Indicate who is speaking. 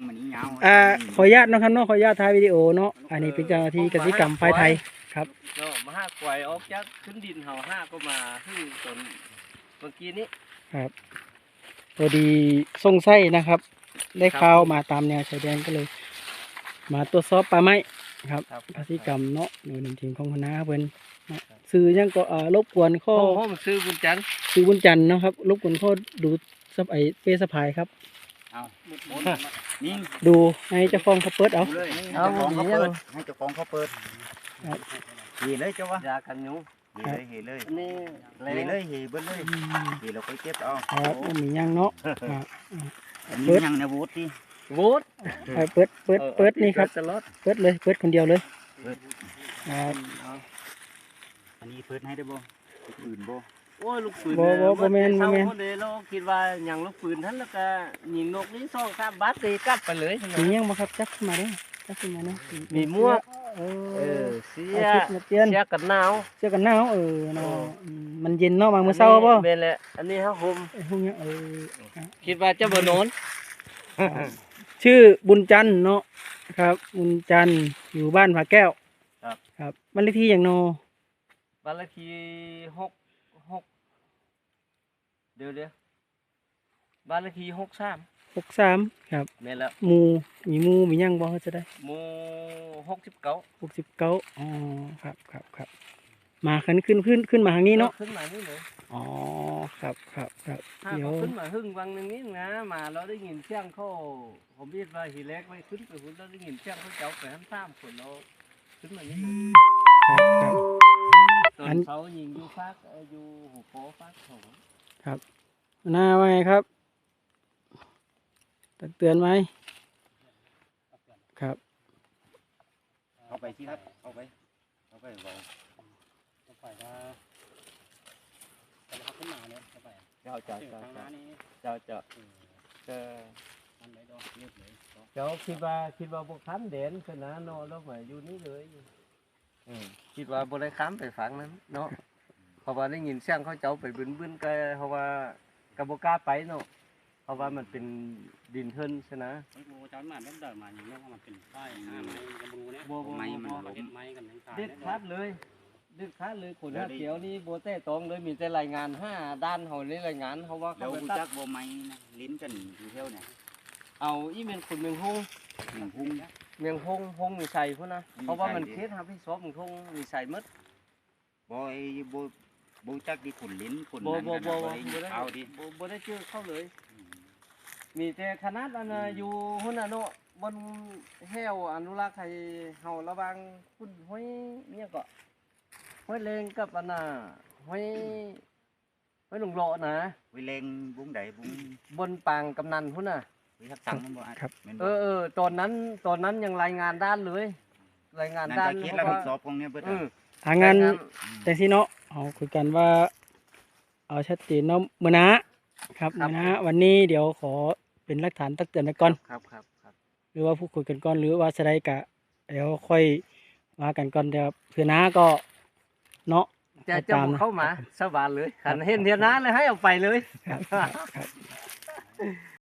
Speaker 1: มันยาว
Speaker 2: ขออนุญาตนะครับเนาะขออนุญาตถ่ายวิดีโอเนาะอันนี้เป็นเจ้าหน้าที่กสิกรรมฝ่ายไทยครับ
Speaker 3: เนาะมาห้ากวยออกจากขึ้นดินเห่าห้าก็มาขึ้นตนเมื่อกี้นี้
Speaker 2: ครับพอดีส่งไส้นะครับ ได้ข่าวมาตามแนวชายแดนก็เลย มาตรวจสอบป่าไม้ครับกสิกรรมเนาะหน่วยหนึ่งทีมของคณะเพิ่นสื่อยังก็รบกวนข้อ
Speaker 3: ห้องซื้อบุญจันทร์
Speaker 2: สื่อบุญจันทร์เนาะครับรบกวนข้อดูซับเฟซสพายครับ
Speaker 1: เอานี่
Speaker 2: ดูให้เจ้าของเขาเปิดเอา
Speaker 1: เลยให้เจ้าของเขาเปิดให้เจ้าของเขาเปิด
Speaker 2: ครับ
Speaker 1: เหีเลยเจ้าวะ
Speaker 3: ยากันยุง
Speaker 1: เหีเลย
Speaker 3: อันนี้
Speaker 1: เหีเลยเหีเบิ้ลเลยเหีเราไปเก็บเอา
Speaker 2: ครับมียังเนาะครับ
Speaker 1: นี่ยังในบูธที่
Speaker 3: วูด
Speaker 2: เปิดนี่ครับ
Speaker 3: ตลอด
Speaker 2: เปิดเลยเปิดคนเดียวเลยครับ
Speaker 1: อันนี้เปิดให้ได้บ่อื่นบ่
Speaker 3: โอ้ยลูกปืน
Speaker 2: บ่แม่น
Speaker 3: เราคิดว่าอย่างลูกปืนท่านแล้วก็ยิงนกนี้ซ่องข้ามบัสตีกลับไปเลย
Speaker 2: มียังบ่ครับจักขึ้นมาเด้จักขึ้นมาเนาะ
Speaker 3: มีหมวก เสีย
Speaker 2: ชุดนักเรียน
Speaker 3: เสียกันหนาว
Speaker 2: เสื้อกันหนาวเนาะมันเย็นเนาะบางมื้อเช้าบ่
Speaker 3: เป็นแหละอันนี้ฮะผม
Speaker 2: พวกเนี้ย
Speaker 3: คิดว่าจะบ่โนน
Speaker 2: ชื่อบุญจันทร์เนาะครับบุญจันทร์อยู่บ้านผาแก้วครับบ้านเลขที่อย่างโน
Speaker 3: บ้านเลขที่6เดี๋ยวบ้านเลขที่
Speaker 2: 63ครับ
Speaker 3: แม่นแล้ว
Speaker 2: หมู่มียังบ่จะได้
Speaker 3: หมู่69
Speaker 2: 69อ๋อครับมาขึ้นมาทางนี้เนาะ
Speaker 3: ขึ้นมานี่เลย
Speaker 2: อ๋อครับ
Speaker 3: ถ้า
Speaker 2: เดี๋ยว
Speaker 3: เขาขึ้นมาหึ่งวังหนึงนี้นะมาเราได้ยินเสียงเขาผมคิดว่าทีแรกไม่ขึ้นไปหุ่นเราได้ยินเสียงเขาเจ้าไปทั้ง3คนเราขึ้นมานี่เลย
Speaker 2: ครับ
Speaker 3: ตอนเขายิงอยู่ฟากอยู่หัวโป๊ฟากของ
Speaker 2: ครับหน้าว่าไงครับตักเตือนไหมครับ
Speaker 1: เอาไปสิครับเอาไปบอก
Speaker 3: ไปว่าเขาขึ้นมาเนี่ยไปเจ้าคิดว่าพวกค้ำเด่นขนาดนอนแล้วมาอยู่นี่เลยคิดว่าบริค้ำไปฝังนั้นเนาะเพราะว่าได้ยินเสียงเขาเจ้าไปบึ้นก็เพราะว่ากระบอกกล้าไปเนาะเพราะว่ามันเป็นดินเทินใช่ไหม
Speaker 4: โบจอนมาเดินมาอย่างนี้ว่ามันเป็นป้ายไม้กระบูเนี่ย
Speaker 3: ไม้มัน
Speaker 4: เห็นไม้กันทั้งตา
Speaker 3: เด็ดขาดเลยคนห้าเขียวนี่โบเต้ตองเลยมีแต่รายงาน5 ด้านเขาเลยรายงานเขาว่า
Speaker 1: แล้
Speaker 3: เขา
Speaker 1: ว
Speaker 3: ไป
Speaker 1: รู้
Speaker 3: ตั
Speaker 1: จั
Speaker 3: ด
Speaker 1: กบ่ไม้นะลิ้นกันอยู่เท่าเนี่ย
Speaker 3: เอาอีเมนคนเมืองฮง
Speaker 1: หนึ่งพุ่ง
Speaker 3: เมียงฮงมีใส่พุ่นนะเพราะว่ามันเคสครับพี่ซอบมันคงมีใส่มด
Speaker 1: บ่ไอ้บ่จักที่ขุนลิ้นขุน
Speaker 3: บ่
Speaker 1: นั้น
Speaker 3: บ่
Speaker 1: กัน
Speaker 3: บ่
Speaker 1: บ่ได้เอาดิ
Speaker 3: บ่ได้เจอเข้าเลย มีแต่คณะอันน่ะอยู่หุ่นน่ะเนาะบนแห้วอนุรักษ์ให้เฮาระวังคุณห้อยเนี่ยก็ห้อยเลงกับอันน่ะห้อยหลงโลนะ
Speaker 1: วิเลงบุ้งใดบุ้ง
Speaker 3: บนปางกำนันพุ่นน่ะ
Speaker 1: วิทักษังมันบ่อ่ะแม่นบ่
Speaker 3: ตอนนั้นยังรายงานด้านเลยรายงาน
Speaker 1: นั่น
Speaker 3: ด้าน
Speaker 1: ก็คิดแล้วสอบของเนี่ยเบิด
Speaker 2: ทางงานแต่สิเนาะเอาคุยกันว่าเอาชัดเจนเนาะมื้อนะครับมื้อนะวันนี้เดี๋ยวขอเป็นหลักฐานตักเตือนไปก่อน
Speaker 3: ครับ
Speaker 2: หรือว่าพูดคุยกันก่อนหรือว่าจะได้กะเดี๋ยวค่อยมากันก่อนเดี๋ยวเพื่อน้าก็เนาะ
Speaker 3: จะเข้ามาสบายเลยหันเห็นเทียนน้าเลยให้เอาไปเลย
Speaker 2: ครับ